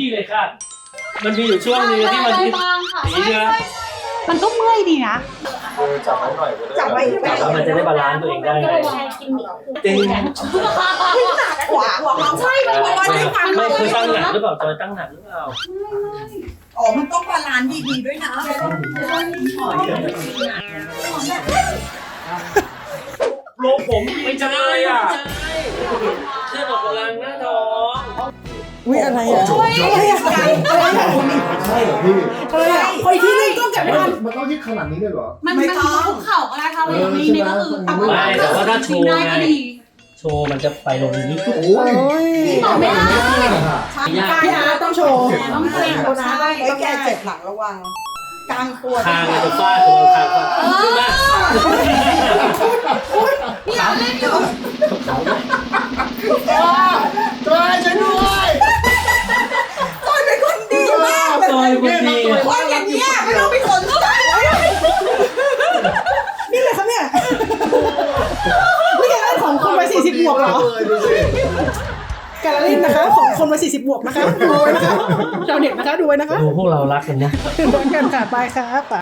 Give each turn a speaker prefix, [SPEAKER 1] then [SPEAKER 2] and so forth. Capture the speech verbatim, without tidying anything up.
[SPEAKER 1] พี่เลยค่ะมันมีอยู่ช่วงนึงที่มันที่นี่ใช่ไหม
[SPEAKER 2] มันก็เมื่อยดีนะ
[SPEAKER 3] จับไว้หน่อยก็ได้
[SPEAKER 4] จับไว้ไว้
[SPEAKER 1] แล้วมันจะได้บาลานซ์ตัวเองได้ไงจริง
[SPEAKER 4] ขวาขวาใช่มันว่าได้ความ
[SPEAKER 1] ไม่คือตั้งหนักหรือเปล่าจอยตั้งหนักหรือเปล่า
[SPEAKER 4] อ๋อมันต้องบาลานซ์ดีๆด้วยนะ
[SPEAKER 1] โลผมไม่ใช่อ่ะเชื่อออกกำลังหน้าท้อง
[SPEAKER 4] อุ้ยอะไรอ่ะอะไรอ่ะอะไรอ่ะ
[SPEAKER 3] ใช่เหรอพี่
[SPEAKER 4] อะไรอ่ะคอยที่นี่ต้องจับไม่ทัน
[SPEAKER 3] มันต้องยืดขนาดนี้เลยเหรอ
[SPEAKER 2] มันมันคุกเข่าก็ได้ค่ะวันนี้นี่ก็คือ
[SPEAKER 1] ไม่แต่ว่าถ้าโชว์
[SPEAKER 2] ได้
[SPEAKER 1] ไง
[SPEAKER 2] ก็ดี
[SPEAKER 1] โชว์มันจะไปลงนี้
[SPEAKER 3] โอ้ย
[SPEAKER 2] ต่อไม่ได้
[SPEAKER 1] ยาก
[SPEAKER 4] พี่อาร์ต้องโชว์
[SPEAKER 2] ต้องเกรง
[SPEAKER 4] ตัวนะต้องแก้เจ็บหลังระวังกลางตัว
[SPEAKER 1] คางจะฟาดตัวคางฟาดขึ้นมา
[SPEAKER 2] พี่อาร์เล่นอยู่
[SPEAKER 3] จอยช่วยด้วย
[SPEAKER 4] จอยเป็นคนดีมาก
[SPEAKER 1] จอยคนดี
[SPEAKER 4] คนอย่างเงี้ยไม่ต้องเป็นคนก็ได้นี่เลยครับเนี่ยนี่แกเล่นของคนวัยสี่สิบบวกเหรอ
[SPEAKER 3] ดูสิ
[SPEAKER 4] แกเล่นนะคะของคนวัยสี่สิบบวกนะคะดูไว้นะคะชาวเน็ตนะคะดูไว้นะคะ
[SPEAKER 1] ดูพวกเรารักกันนะ
[SPEAKER 4] ดูกันค่ะไปครับ